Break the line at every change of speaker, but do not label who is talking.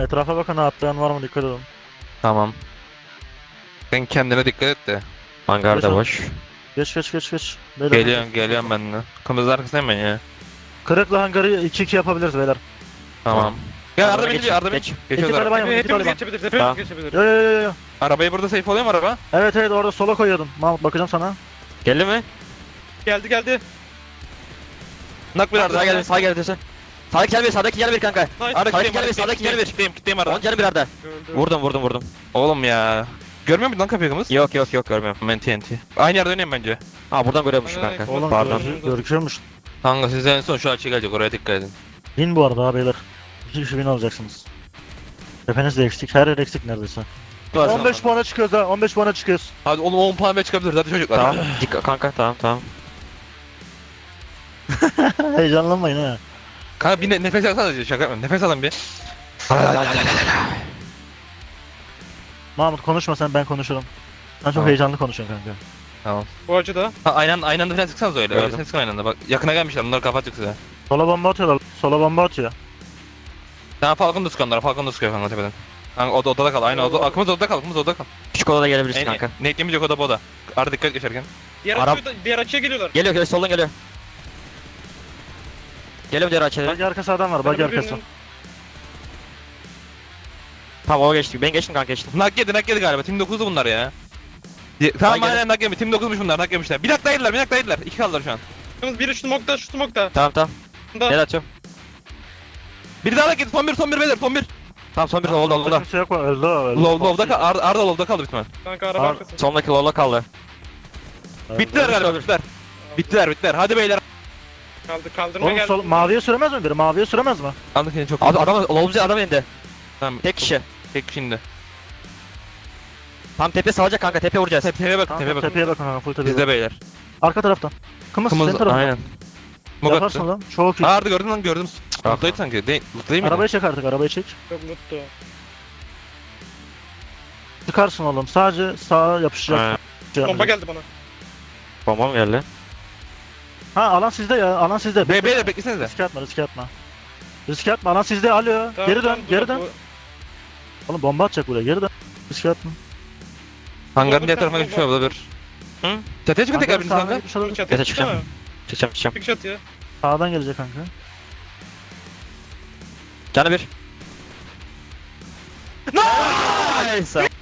Etrafa bakın, atlayan var mı, dikkat edin.
Tamam. Sen kendine dikkat et de.
Hangar da boş.
Geç. Beyler,
Geliyorum ben de. Kımızın arkasındayım ben ya.
Kırıkla hangarı 2-2 yapabiliriz beyler.
Tamam. Gel
Araba
Arda beni
geç,
geliyor, Arda beni.
geç.
İki
Geçiyoruz
tane
araba.
ben yapayım, iki tane
Hepimiz
ben.
geçebiliriz.
Tamam.
Hepimiz geçebiliriz.
Yo.
Arabayı burada safe oluyor mu araba?
Evet orada sola koyuyordum. Mahmut, bakacağım sana.
Geldi mi?
Geldi.
Nak bir Arda.
Sağa geldi, sağa geldi. Sağdaki gel bir, sağdaki gel bir kanka.
Nice.
Arda
Sağdaki
kitleyim,
gel bir, sağdaki gel bir.
kitleyim Arda.
10 gel bir Arda.
Gördüm.
Vurdum.
Oğlum ya. Görmüyor musun lan kapıyı kımız?
Yok görmüyorum.
Ben TNT. Aynı yerde oynayayım bence.
Ha buradan görüyormuş
Aynen,
kanka.
Oğlum
Pardon.
görüküyormuş.
Kanka siz en son şu açıya gelecek, oraya dikkat edin.
Win bu arada ha beyler. 2 kişi win alacaksınız. Hepiniz de eksik. Her yer eksik neredeyse. 15 puana çıkıyoruz ha. 15 puana çıkıyoruz.
Hadi oğlum 10 puan ve çıkabiliriz hadi çocuklar.
Tamam. Dikkat kanka, tamam.
Heyecanlanmayın ha.
Kanka bir nefes alsana, şaka yapma. Nefes alın bir.
Mahmut konuşma sen, ben konuşurum. Sen çok
Tamam.
heyecanlı konuşuyorsun kanka.
Tamam.
Bu açıda.
Ha, aynı anda falan sıksanız öyle.
Gördüm.
Öyle sıkın aynı anda. Bak yakına gelmişler, bunları kapatacak size.
Sola bomba atıyorlar. Sola bomba atıyor.
Tamam Falcon da sıkıyor onlara. Falcon da sıkıyor kanka tepeden. Kanka odada kal. Aynı oda. Akımız odada kal. Akımız odada kal.
Küçük odada gelebilirsin kanka.
Ne eklemeyecek oda bu oda. Arada dikkat geçerken.
Diğer açıya geliyorlar.
Geliyor, soldan geliyor. Geliyor diğer açıya.
Bagi arkası adam var. Bagi arkası.
Tamam o geçti. Ben geçtim kanka, geçtim.
Nak yedi galiba. Team 9'du bunlar ya. Tamam
Nak
aynen nak yedi. Team 9'muş bunlar. Nak yemişler. Bir dakika yediler. İki kaldılar şu an.
Biri şu smokta.
Tamam. Gel atıyorum.
Biri daha nak yedi. Son bir beyler. Son bir.
Tamam son bir oldu.
Kimse yok mu? Öldü.
Low'da kal. Arda low'da kaldı bitmez.
Kanka araba
Ar-
arkası.
Sondaki lola kaldı.
Bittiler galiba. Bittiler. Hadi beyler.
Kaldırma
Oğlum
geldi.
maviye süremez mi biri? Maviye süremez mi?
Anlık seni çok.
Abi adam indi.
Tamam.
Tek kişi.
Tek şimdi.
Tam tepe salacak kanka, tepe vuracağız.
Tepeye bakın.
Kanka,
Tepeye bakın.
tepeye bakın kanka, full tepeye
Bizde
bakın.
beyler.
Arka taraftan. Kımız senin
Kımız
tarafından.
aynen. Mog
Yaparsın
attı.
lan. Çok iyi.
Arda gördüm.
Bak.
Mutlaydı sanki. Değil mi?
Arabayı çek artık, arabayı çek.
Çok mutlu.
Çıkarsın oğlum. Sadece sağa yapışacak.
Ha.
Bomba geldi bana.
Bomba mı geldi?
Ha, alan sizde ya. Alan sizde.
Beyler beklesenize.
Riske atma. Riske atma. Alan sizde. Alo.
Tamam,
Geri dön.
tamam,
Geri
dur,
dön.
bu-
Oğlum bomba atacak buraya. Geri dön. Riske atma.
Hangarın diğer tarafına geçmiş olabilir.
Hı?
Çatıya çıkın tekrar
Hangarın
biriniz
sağına
kanka.
gitmiş olabilir.
Çatıya
Yata
çıksana.
çıkacağım. Çıkacağım.
Çık çatıya.
Sağdan gelecek kanka.
Canı bir. Nice.